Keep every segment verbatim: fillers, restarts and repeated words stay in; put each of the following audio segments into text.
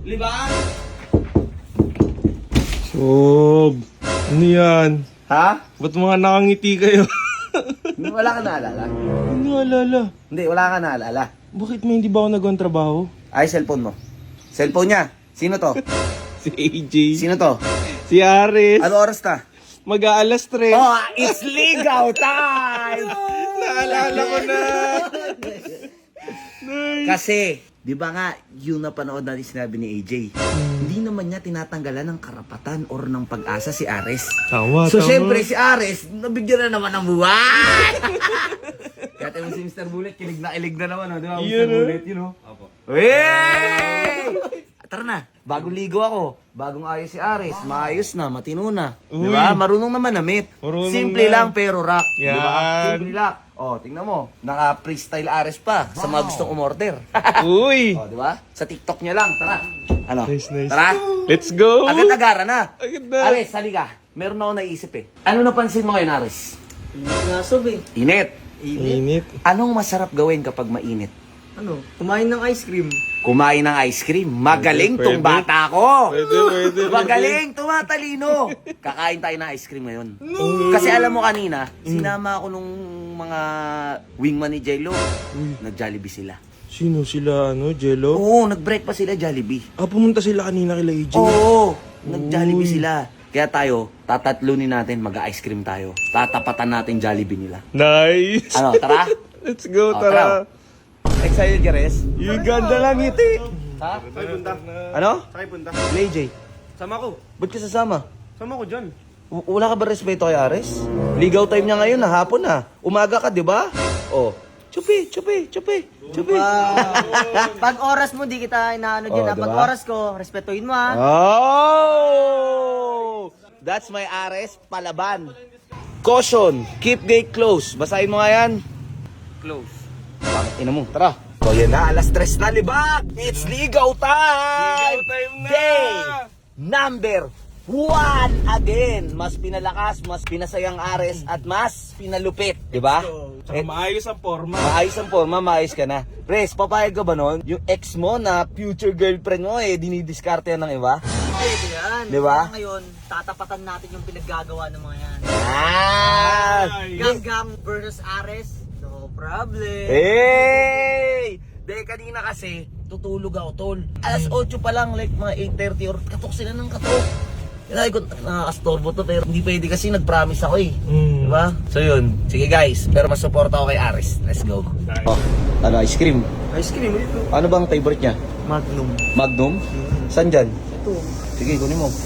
Libaan! Sob, ano yan? Ha? Ba't mga nakangiti kayo? Wala ka naalala? Hindi alala. Hindi, wala ka naalala. Bakit may hindi ba ako nagawang trabaho? Ay, cellphone mo. Cellphone niya. Sino to? Si A J. Sino to? Si Aris. Ano oras na? Mag-aalas tres. Oh, it's ligaw time! Naalala ko na. Nice. Kasi, di ba nga, yung napanood natin sinabi ni A J, hindi naman niya tinatanggalan ng karapatan or ng pag-asa si Ares. Tama, So, tama. syempre, si Ares, nabigyan na naman ng buwan! Kaya tayo si Mister Bullet, kilig na kilig na naman, oh, di ba, Mister Yun, oh. Bullet, yun, know? Opo. Hey! Tara na, bagong ligo ako, bagong ayos si Ares, maayos na, matino na. Di ba? Uy. Marunong naman na manamit. Marunong Simple na. lang pero rock. Di ba? Yan. Simple lang. Oh, tingnan mo, naka-freestyle Ares pa sa mga gustong umorder. Uy. Oh, di ba? Sa TikTok niya lang. Tara. Ano? Nice, nice. Tara. Let's go. Agad-agara na. Agad na. Ares, halika. Meron ako naisip eh. Ano napansin mo ngayon, Ares? Nasob eh. Init. Init. Anong masarap gawin kapag mainit? Ano? Kumain ng ice cream. Kumain ng ice cream. Magaling Pwede, tong pwede. bata ko. Pwede, pwede, pwede. Magaling, tumatalino. Kakain tayo ng ice cream ngayon. Kasi alam mo kanina, sinama ako nung mga wingman ni Jello. Nag-Jollibee sila. Sino sila, ano, Jello? Oo, nag-break pa sila Jollibee. Ah, pumunta sila kanina kila A J. Oo, nag-Jollibee Uy. sila. Kaya tayo, tatatlunin natin, mag-ice cream tayo. Tatapatan natin Jollibee nila. Nice. Ano, tara? Let's go, Oh, tara. Excited ka, Res? Yung ganda lang ngiti. Ha? Sakay punta. Ano? Sakay punta. Kila A J, Sama ko. ba't ka sasama? Sama ko dyan. W- Wala ka ba respeto kay Ares? Ligaw time niya ngayon, na hapon na. Umaga ka, di ba? Oh. Chupi, chupi, chupi, chupi. Pag oras mo, di kita inaano dyan. Oh, ha? Pag diba? oras ko, respetuhin mo ha. Oh! That's my Ares palaban. Caution, keep gate close. Basahin mo nga yan. Close. Ina mo, tara. So yan na, alas tres na libag. It's ligaw time! Ligaw time na! Day number one again. Mas pinalakas, mas pinasayang Ares, at mas pinalupit. Diba? Tsaka maayos ang forma. Maayos ang forma, maayos ka na. Pres, papayag ka ba nun? Yung ex mo na future girlfriend mo eh, dinidiskarte yan ng iba? Pwede yan. Di ba? Kaya ngayon, tatapatan natin yung pinaggagawa ng mga yan. Ah! Ganggang versus Ares, no problem. Hey! Dahil kanina kasi, tutulog ako, tol. Alas otso pa lang, like mga eight thirty or katok sila ng katok. Kaya ko, nakakastorbo to, pero hindi pwede kasi nag-promise ako eh. Mm. Diba? So yun, sige guys, pero mas support ako kay Ares. Let's go. Oh, ano, ice cream? Ice cream, ito. Ano bang favorite niya? Magnum. Magnum? Saan dyan? Ito. Sige, kunin mo.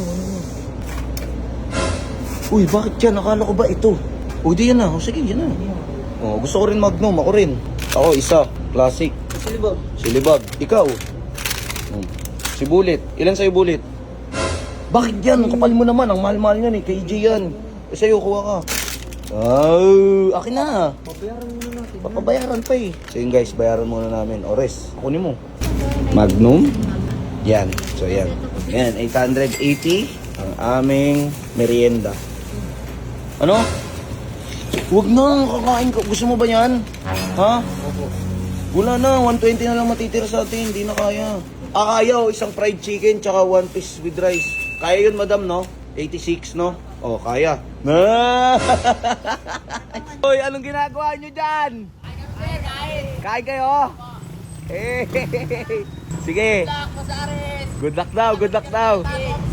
Uy, bakit yan? Akala ko ba ito? Uy, di yan na. O, sige, yan na. Oh, gusto ko rin Magnum. Ako rin. Ako, isa. Classic. Silibag. Silibag. Ikaw. Hmm. Si Bullet. Ilan sa'yo, Bullet? Bakit yan? Ang kapal mo naman. Ang mahal-mahal yan eh. K J yan. Eh, sa'yo, kuha ka. Oh, akin na. Papayaran muna natin. Papabayaran pa eh. So yun guys, bayaran muna namin. Ores, kunin mo. Magnum. Yan. So yan. Yan, eight hundred eighty ang aming merienda. Ano? Huwag na, kakain ka. Gusto mo ba yan? Ha? Wala na, one twenty na lang matitira sa atin. Hindi na kaya. Ah, kaya oh, isang fried chicken tsaka one piece with rice. Kaya yun, madam, no? eighty-six, no? Oh, kaya. Na! Hoy, anong ginagawa nyo dyan? Kain! Kain kayo? Hey! Sige! Good luck daw, good luck daw!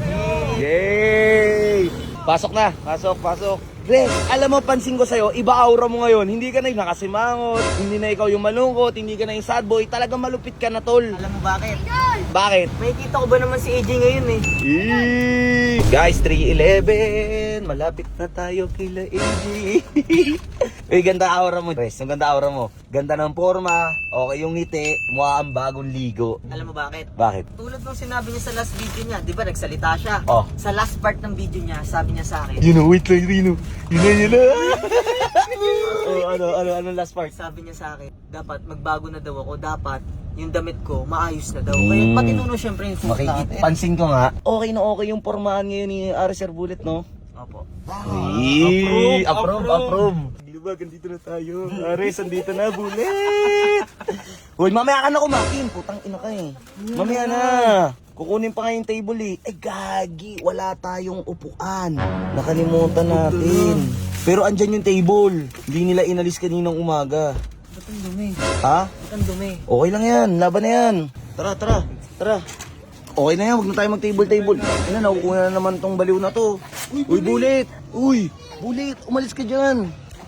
Yay! Pasok na, pasok, pasok. Res, alam mo, pansin ko sa'yo, iba aura mo ngayon. Hindi ka na yung nakasimangot, hindi na ikaw yung malungkot, hindi ka na yung sad boy. Talagang malupit ka na, tol. Alam mo bakit? Bakit? May kita ko ba naman si A J ngayon eh? Eee! Guys, three eleven. Malapit na tayo kila A J. Eh, ganda aura mo. Res, ang ganda aura mo. Ganda ng forma. Okay yung ngiti. Mukha ang bagong ligo. Alam mo bakit? Bakit? Tulad nung sinabi niya sa last video niya, di ba nagsalita siya? Oh. Sa last part ng video niya, sabi niya sa akin, You know, wait lang, Rino. Yun na, yun na. Oh, ano, ano, ano last part? sabi niya sa akin, dapat magbago na daw ako, dapat yung damit ko maayos na daw. Kaya Mm. pati nuno syempre yung suot Makikita, natin. pansin ko nga, okay na okay yung formahan ngayon ni Ares Bullet, no? Opo. Eee, approve, approve. Libag, andito na tayo. Ares, andito na, Bulit! Hoy, mamaya ka na kumain. Putang ina ka eh. Mamaya na. Kukunin pa nga yung table eh. Ay, gagi. Wala tayong upuan. Nakalimutan natin. Pero andyan yung table. Hindi nila inalis kaninang umaga. Ba't ang dumi? Ha? Ba't ang dumi? Okay lang yan. Laban na yan. Tara, tara. Tara. Okay na yan. Huwag na tayo mag-table-table. Ano, nakukuha na naman tong baliw na to. Uy, Bulit. Uy, Bulit. Umalis ka dyan.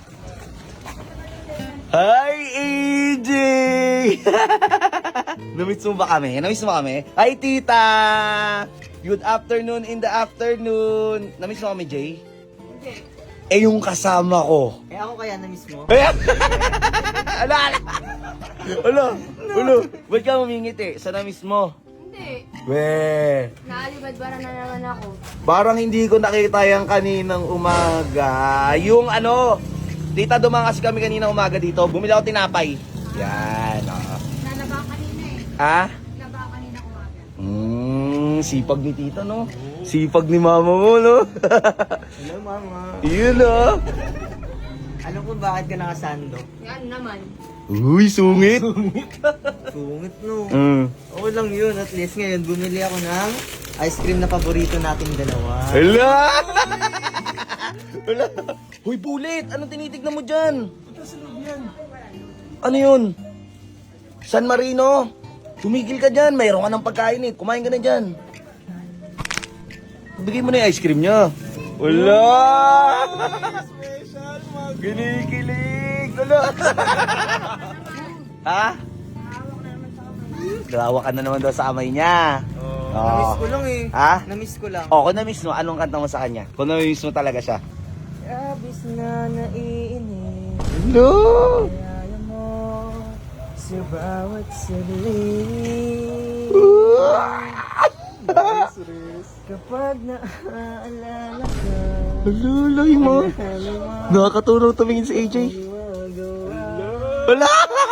Hi, A J! Namiss mo ba kami? Namiss mo kami? Hi, tita! Good afternoon in the afternoon. Namiss mo kami, Jay? Hindi. Eh, yung kasama ko. Eh ako kaya na-miss mo? Ayan! Ala, ala! Ala, ala! Ba't ka mamingiti? Sa namiss mo? Hindi. Weh! Naalibad-bara na naman ako. Parang hindi ko nakita yan kaninang umaga. Yung ano, tita, dumaan kasi kami kaninang umaga dito. Bumili ako tinapay. Yan, oh. Nalaba kanina eh. Ha? Nalaba kanina umaga. Hmm, sipag ni tita, no? Sipag ni mama mo, no? Hello, mama. Yun, no? Alam ko bakit ka nakasando? Yan naman. Uy, sungit! Sungit, no? Mm. Okay lang yun. At least ngayon, bumili ako ng ice cream na paborito nating dalawa. Hala! Hala! Hoy, Bulit! Anong tinitignan mo dyan? Ano yun? San Marino? Tumigil ka dyan. Mayroon ka ng pagkain eh. Kumain ka na dyan. Bigay mo na yung ice cream niya. Wala! Ginikilig! Wala! Ha? Gawa ka na naman daw sa kamay niya. Oh. Na-miss ko lang eh. Ha? Na-miss ko lang. O, kung na-miss mo, anong kanta mo sa kanya? Kung na-miss mo talaga siya. Abis na naiinip. No! Kaya mo sa bawat saglit. Kapag naaalala ka, Alulay mo. Nakakatulong tumingin si A J. Wala!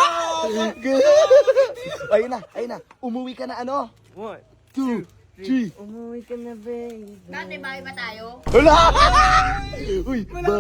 Ayun na, ayun na. Umuwi ka na ano? One, Two, three. umuwi ka na, babe. Dati bahay ba tayo? Wala! Uy, ba?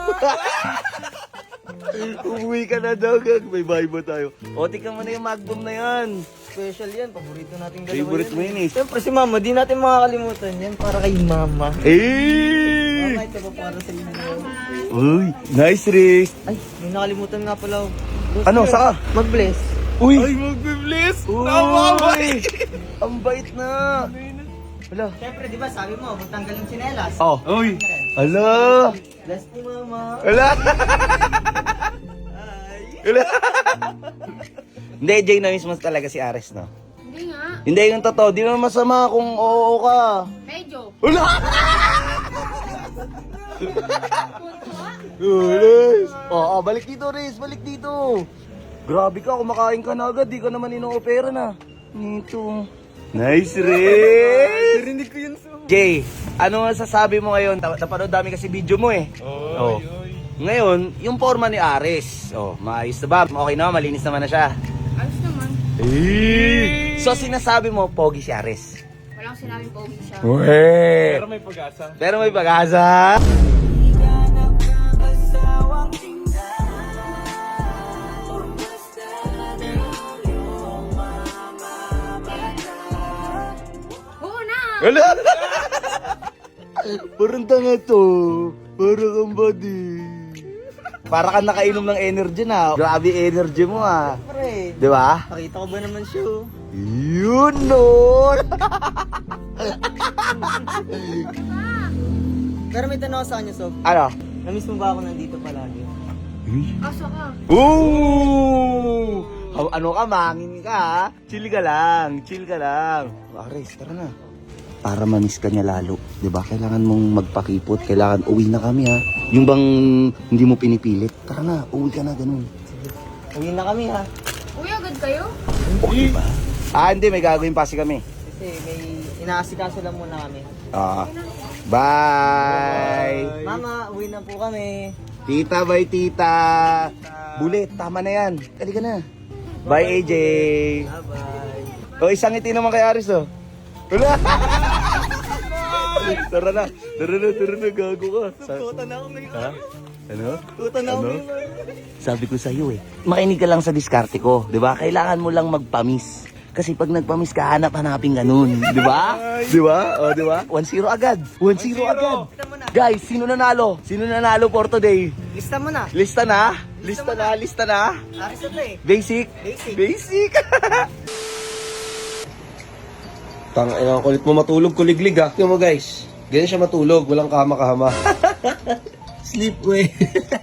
Umuwi ka na daw, gag. May bahay ba tayo? O, tika mo na yung Magnum na yan. Special yan, paborito nating dalawa Favorite mo yun eh. Siyempre si mama, di natin makakalimutan yan para kay mama. Eh! Mama, ito pa para sa inyo. Uy, nice wrist. Ay, may nakalimutan nga pala. Ano, saka? Mag-bless. Uy! Ay, magbe-bless! Uy! Tama, Ang bait na! Wala. Siyempre, di ba sabi mo, magtanggal yung sinelas. Oh. Uy! Ala! Bless ni mama. Wala! Wala! Hindi, Jay, na-miss mo talaga si Ares, no? Hindi nga. Hindi, yung totoo. Di naman masama kung oo ka. Medyo. Wala! Ulis! Oo, balik dito, Riz. Balik dito. Grabe ka, kumakain ka na agad. Di ka naman ino-opera na. Nito. Nice, Riz! Narinig ko yun so. Jay, ano masasabi mo ngayon? Ta- Napanood dami kasi video mo eh. Oh. Oy, oy. Ngayon, yung forma ni Ares. Oh, maayos na ba? Okay na, malinis naman na siya. Ayos naman. Eh. So sinasabi mo, pogi si Ares. Walang sinabing pogi siya. Weh! Pero may pag-asa. Pero may pag-asa. Oo na. Wala! Parang tanga to. Parang kang body. Para ka nakainom ng energy na. Grabe energy mo ah. Pre, Di ba? pakita ko ba naman siya oh. Yun no! Pero may tanong ako sa kanya, Sob. Ano? Namiss mo ba ako nandito palagi? Asa ka? Ooh! Ha- Ano ka, mangin ka ha? Chill ka lang, chill ka lang. Ares, tara na. Para mamiss ka niya lalo, di ba? Kailangan mong magpakipot, kailangan uwi na kami ha. Yung bang hindi mo pinipilit, tara na, uwi ka na, ganun. Uwi na kami ha. Uy, agad kayo? Okay ba? Ah, hindi, may gagawin pa si kami. Kasi may inaasikaso lang muna kami. Ah, bye! Mama, uwi na po kami. Tita, bye tita! Bulit, tama na yan. Kali ka na. Bye, A J! Bye-bye. O, isang ngiti naman kay Aris, oh. Wala! Tara na, tara na, tara na, gago ka. Sa- Sukutan na ako ngayon. Ha? Ano? Puta na Ano? umiwan. Sabi ko sa'yo eh, makinig ka lang sa diskarte ko, di ba? Kailangan mo lang magpamis. Kasi pag nagpamis ka, hanap-hanapin ganun. Di ba? Di ba? O, di ba? one zero agad. one zero agad. Lista mo na. Guys, sino nanalo? Sino nanalo for today? Lista mo na. Lista na? Lista na? Lista na? Aris na to eh. Basic? Basic. Basic! Tang, ina, kulit mo matulog, kuliglig ah. Tingnan mo guys, ganyan siya matulog, walang kama-kama. Sleep way.